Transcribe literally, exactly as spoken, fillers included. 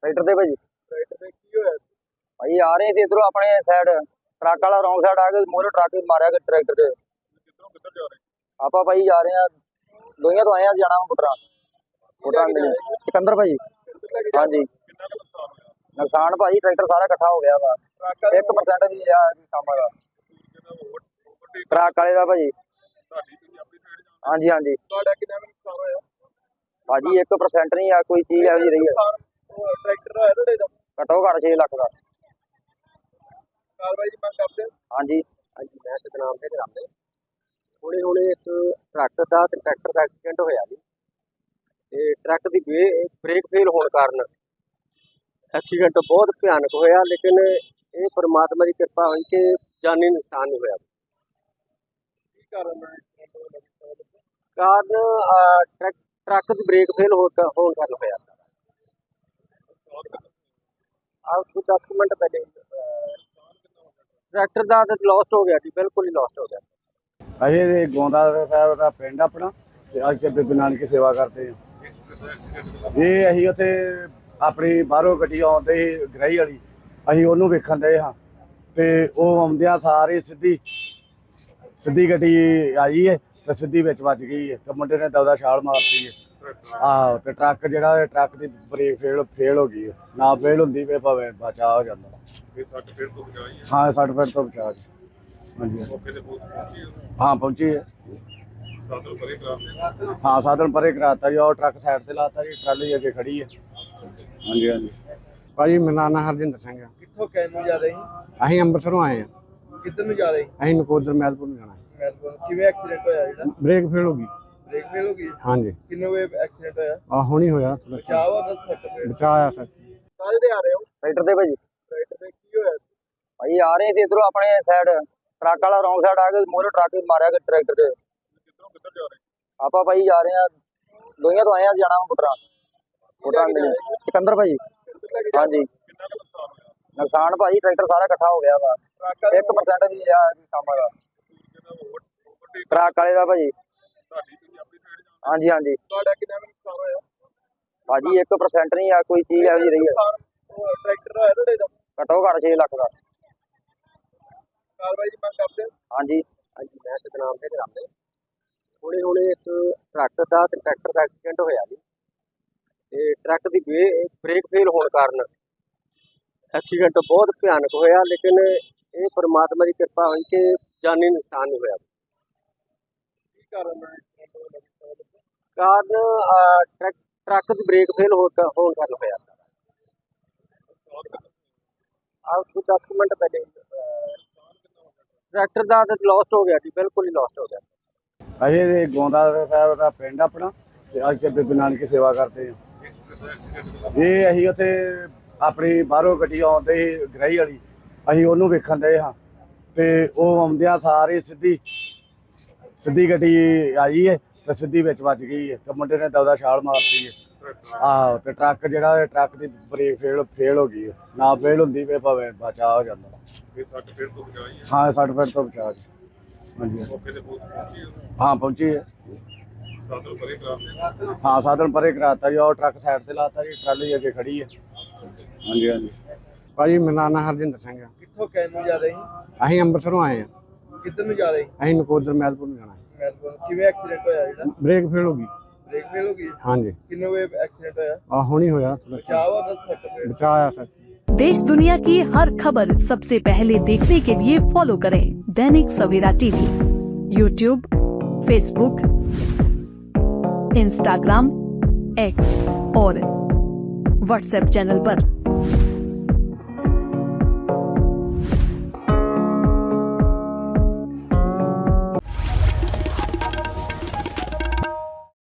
Tractor से भाजी tractor पे की होया भाई आ रहे थे इधरों अपने साइड ट्रक वाला रॉन्ग साइड आ के मोरे ट्रक मारा ट्रैक्टर से किधरों किधर जा रहे आप भाई जा रहे हैं दोइयां तो आए हैं जाना पुटरा पुटरा मिली सिकंदर भाई हाँ जी कितना का नुकसान होया नुकसान भाई ट्रैक्टर सारा इकट्ठा हो गया वा ट्रक एक परसेंट भी लिया काम का ट्रक वाले का भाजी ਤੁਹਾਡੀ ਤੁਸੀਂ ਆਪਣੀ ਸਾਈਡ ਜਾਂਦੇ हाँ जी हाँ जी ਤੁਹਾਡਾ ਕਿੰਨਾ ਕੁ ਨੁਕਸਾਨ ਹੋਇਆ भाजी एक परसेंट नहीं है कोई चीज ऐसी रही है ਉਹ ਟਰੈਕਟਰ ਹੋਇਆ ਤੁਹਾਡੇ ਦਾ घटो घट छे लाख का ਕਾਰਵਾਈ ਦੀ ਮੰਗ ਕਰਦੇ ਹੋ हाँ जी ਹਾਂਜੀ ਮੈਂ ਸਤਨਾਮ ਸਿੰਘ ਰਾਮਦੇ ਹੁਣੇ ਹੁਣੇ ਇੱਕ ਟਰੱਕ ਦਾ ਤੇ ਟਰੈਕਟਰ ਦਾ ਐਕਸੀਡੈਂਟ ਹੋਇਆ ਜੀ ਤੇ ਟਰੱਕ ਦੀ ਬ੍ਰੇਕ ਫੇਲ ਹੋਣ ਕਾਰਨ ਐਕਸੀਡੈਂਟ ਬਹੁਤ ਭਿਆਨਕ ਹੋਇਆ ਲੇਕਿਨ ਇਹ ਪਰਮਾਤਮਾ ਦੀ ਕਿਰਪਾ ਹੋਈ ਕਿ ਜਾਨੀ ਨੁਕਸਾਨ ਨਹੀਂ ਹੋਇਆ ਕੀ ਕਾਰਨ ਹੈ ਕਾਰਨ ਅਹ, ਟਰੱਕ ਟਰੱਕ ਦੀ ਬ੍ਰੇਕ ਫੇਲ ਹੋਣ ਕਾਰਨ ਹੋਇਆ ਆਹ ਕੋਈ ਦਸ ਕੁ ਮਿੰਟ ਪਹਿਲੇ ਅਹ, ਟਰੈਕਟਰ ਦਾ ਤਾਂ ਲੋਸਟ ਹੋ ਗਿਆ ਜੀ ਬਿਲਕੁਲ ਹੀ ਲੋਸਟ ਹੋ ਗਿਆ ਅਸੀਂ ਇਹ ਗੋਂਦਾ ਸਾਹਿਬ ਦਾ ਪਿੰਡ ਆਪਣਾ ਤੇ ਅੱਜ ਕੇ ਬੀਬੀ ਨਾਨਕੀ ਸੇਵਾ ਕਰਦੇ ਹਾਂ ਇਹ ਅਸੀਂ ਉੱਥੇ ਆਪਣੀ ਬਾਹਰੋਂ ਗੱਡੀ ਆਉਂਦੇ ਸੀ ਗਰਾਈ ਵਾਲੀ ਅਸੀਂ ਉਹਨੂੰ ਵੇਖਣ ਦੇ ਹਾਂ ਤੇ ਉਹ ਆਉਂਦਿਆਂ ਸਾਰੇ ਸਿੱਧੀ ਸਿੱਧੀ ਗੱਡੀ ਆਈ ਹੈ ਤੇ ਸਿੱਧੀ ਵਿੱਚ ਵੱਜ ਗਈ ਹੈ ਤੇ ਮੁੰਡੇ ਨੇ ਦੌਦਾ ਛਾਲ ਮਾਰਤੀ ਹੈ ਆਹੋ ਤੇ ਟਰੱਕ ਜਿਹੜਾ ਟਰੱਕ ਦੀ ਬ੍ਰੇਕ ਫੇਲ ਫੇਲ ਹੋ ਗਈ ਨਾ ਫੇਲ ਹੁੰਦੀ ਵੇ ਭਾਵੇਂ ਬਚਾ ਹੋ ਜਾਂਦਾ ਇਹ ਸੱਟ ਫੇਰ ਤੋਂ ਬਚਾਈ ਹੈ ਹਾਂ ਸੱਠ ਫੁੱਟ ਤੋਂ ਬਚਾ ਜੀ ਹਾਂਜੀ ਮੌਕੇ ਤੇ ਪੁਲਿਸ ਪਹੁੰਚੀ ਹੈ ਹਾਂ ਪਹੁੰਚੀ ਹੈ ਸਾਧਨ ਪਰੇ ਕਰਾਉਂਦੇ ਹਾਂ ਸਾਧਨ ਪਰੇ ਕਰਾਤਾ ਜੀ ਉਹ ਟਰੱਕ ਸਾਈਡ ਤੇ ਲਾਤਾ ਜੀ ਟਰਾਲੀ ਅੱਗੇ ਖੜੀ ਹੈ ਹਾਂਜੀ ਹਾਂਜੀ ਭਾਜੀ ਮੇਰਾ ਨਾਂ ਹਰਜਿੰਦਰ ਸਿੰਘ ਆ। ਕਿੱਥੋਂ ਕਹਿਣ ਨੂੰ ਜਾ ਰਹੇ ਅਸੀਂ ਅੰਮ੍ਰਿਤਸਰੋਂ ਆਏ ਆ। ਕਿੱਧਰ ਨੂੰ ਜਾ ਰਹੇ ਅਸੀਂ ਨਕੋਦਰ ਮਹਿਲਪੁਰ ਨੂੰ ਜਾਣਾ ਹੈ। ਮੈਲਬੌਰਨ ਕਿਵੇਂ ਐਕਸੀਡੈਂਟ ਹੋਇਆ ਜਿਹੜਾ ਬ੍ਰੇਕ ਫੇਲ ਹੋ ਗਈ। ਬ੍ਰੇਕ ਫੇਲ ਹੋ ਗਈ ਹਾਂਜੀ ਕਿੰਨੇ ਵੇ ਐਕਸੀਡੈਂਟ ਹੋਇਆ ਆ ਹੁਣੀ ਹੋਇਆ ਥੋੜਾ ਬਚਾਅ ਵਾ ਦਸ ਸੱਟ ਫੇਰ ਬਚਾਇਆ ਸਰ ਸਾਰੇ ਦੇ ਆ ਰਹੇ ਹੋ ट्रैक्टर से भाजी ਟਰੈਕਟਰ ਤੇ ਕੀ ਹੋਇਆ भाई आ रहे थे इधरों अपने साइड ट्रक वाला रॉन्ग साइड आ के मोरे ट्रक मारा ट्रैक्टर से ਕਿੱਧਰੋਂ ਕਿੱਧਰ ਜਾ ਰਹੇ आप भाई जा रहे हैं दोइयां तो आए हैं जाना पुटरा पुटरा मिली सिकंदर भाई हाँ जी ਕਿੰਨਾ ਕੁ ਨੁਕਸਾਨ ਹੋਇਆ नुकसान भाई ट्रैक्टर सारा इकट्ठा हो गया वा ਟਰੱਕ एक परसेंट भी लिया काम का ट्रक वाले का भाजी ਤੁਹਾਡੀ ਤੁਸੀਂ ਆਪਣੀ ਸਾਈਡ ਜਾਂਦੇ हाँ जी हाँ जी ਤੁਹਾਡਾ ਕਿੰਨਾ ਕੁ ਨੁਕਸਾਨ ਹੋਇਆ भाजी एक परसेंट नहीं है कोई चीज ऐसी रही है ਉਹ ਟਰੈਕਟਰ ਹੋਇਆ ਤੁਹਾਡੇ ਦਾ घटो घट छे लाख का ਕਾਰਵਾਈ ਦੀ ਮੰਗ ਕਰਦੇ ਹੋ हाँ जी ਹਾਂਜੀ ਮੈਂ ਸਤਨਾਮ ਸਿੰਘ ਰਾਮਦੇ ਹੁਣੇ ਹੁਣੇ ਇੱਕ ਟਰੱਕ ਦਾ ਤੇ ਟਰੈਕਟਰ ਦਾ ਐਕਸੀਡੈਂਟ ਹੋਇਆ ਜੀ ਤੇ ਟਰੱਕ ਦੀ ਬ੍ਰੇਕ ਫੇਲ ਹੋਣ ਕਾਰਨ ਐਕਸੀਡੈਂਟ ਬਹੁਤ ਭਿਆਨਕ ਹੋਇਆ ਲੇਕਿਨ ਇਹ ਪਰਮਾਤਮਾ ਦੀ ਕਿਰਪਾ ਹੋਈ ਕਿ ਜਾਨੀ ਨੁਕਸਾਨ ਨਹੀਂ ਹੋਇਆ ਕੀ ਕਾਰਨ ਹੈ ਕਾਰਨ ਅਹ, ਟਰੱਕ ਟਰੱਕ ਦੀ ਬ੍ਰੇਕ ਫੇਲ ਹੋਣ ਕਾਰਨ ਹੋਇਆ ਆਹ ਕੋਈ ਦਸ ਕੁ ਮਿੰਟ ਪਹਿਲੇ ਅਹ, ਟਰੈਕਟਰ ਦਾ ਤਾਂ ਲੋਸਟ ਹੋ ਗਿਆ ਜੀ ਬਿਲਕੁਲ ਹੀ ਲੋਸਟ ਹੋ ਗਿਆ ਅਸੀਂ ਇਹ ਗੋਂਦਾ ਸਾਹਿਬ ਦਾ ਪਿੰਡ ਆਪਣਾ ਤੇ ਅੱਜ ਕੇ ਬੀਬੀ ਨਾਨਕੀ ਸੇਵਾ ਕਰਦੇ ਹਾਂ ਇਹ ਅਸੀਂ ਉੱਥੇ ਆਪਣੀ ਬਾਹਰੋਂ ਗੱਡੀ ਆਉਂਦੇ ਸੀ ਗਰਾਈ ਵਾਲੀ ਅਸੀਂ ਉਹਨੂੰ ਵੇਖਣ ਦੇ ਹਾਂ ਤੇ ਉਹ ਆਉਂਦਿਆਂ ਸਾਰੇ ਸਿੱਧੀ ਸਿੱਧੀ ਗੱਡੀ ਆਈ ਹੈ ਤੇ ਸਿੱਧੀ ਵਿੱਚ ਵੱਜ ਗਈ ਹੈ ਤੇ ਮੁੰਡੇ ਨੇ ਦੌਦਾ ਛਾਲ ਮਾਰਤੀ ਹੈ ਆਹੋ ਤੇ ਟਰੱਕ ਜਿਹੜਾ ਟਰੱਕ ਦੀ ਬ੍ਰੇਕ ਫੇਲ ਫੇਲ ਹੋ ਗਈ ਨਾ ਫੇਲ ਹੁੰਦੀ ਵੇ ਭਾਵੇਂ ਬਚਾ ਹੋ ਜਾਂਦਾ ਇਹ ਸੱਟ ਫੇਰ ਤੋਂ ਬਚਾਈ ਹੈ ਹਾਂ ਸੱਠ ਫੁੱਟ ਤੋਂ ਬਚਾ ਜੀ ਹਾਂਜੀ ਮੌਕੇ ਤੇ ਪੁਲਿਸ ਪਹੁੰਚੀ ਹੈ ਹਾਂ ਪਹੁੰਚੀ ਹੈ ਸਾਧਨ ਪਰੇ ਕਰਾਉਂਦੇ ਹਾਂ ਸਾਧਨ ਪਰੇ ਕਰਾਤਾ ਜੀ ਉਹ ਟਰੱਕ ਸਾਈਡ ਤੇ ਲਾਤਾ ਜੀ ਟਰਾਲੀ ਅੱਗੇ ਖੜੀ ਹੈ ਹਾਂਜੀ ਹਾਂਜੀ ਭਾਜੀ ਮੇਰਾ ਨਾਂ ਹਰਜਿੰਦਰ ਸਿੰਘ ਆ। ਕਿੱਥੋਂ ਕਹਿਣ ਨੂੰ ਜਾ ਰਹੇ ਅਸੀਂ ਅੰਮ੍ਰਿਤਸਰੋਂ ਆਏ ਆ। ਕਿੱਧਰ ਨੂੰ ਜਾ ਰਹੇ ਅਸੀਂ ਨਕੋਦਰ ਮਹਿਲਪੁਰ ਨੂੰ ਜਾਣਾ ਹੈ। ਮੈਲਬੌਰਨ ਕਿਵੇਂ ਐਕਸੀਡੈਂਟ ਹੋਇਆ ਜਿਹੜਾ ਬ੍ਰੇਕ ਫੇਲ ਹੋ ਗਈ। ਬ੍ਰੇਕ ਫੇਲ ਹੋ ਗਈ ਹਾਂਜੀ ਕਿੰਨੇ ਵੇ ਐਕਸੀਡੈਂਟ ਹੋਇਆ ਆ ਹੁਣੀ ਹੋਇਆ ਥੋੜਾ ਬਚਾਅ ਵਾ ਦਸ ਸੱਟ ਫੇਰ ਬਚਾਇਆ ਸਰ देश दुनिया की हर खबर सबसे पहले देखने के लिए फॉलो करें Dainik Savera TV, YouTube, Facebook, Instagram, X और व्हाट्सएप चैनल पर।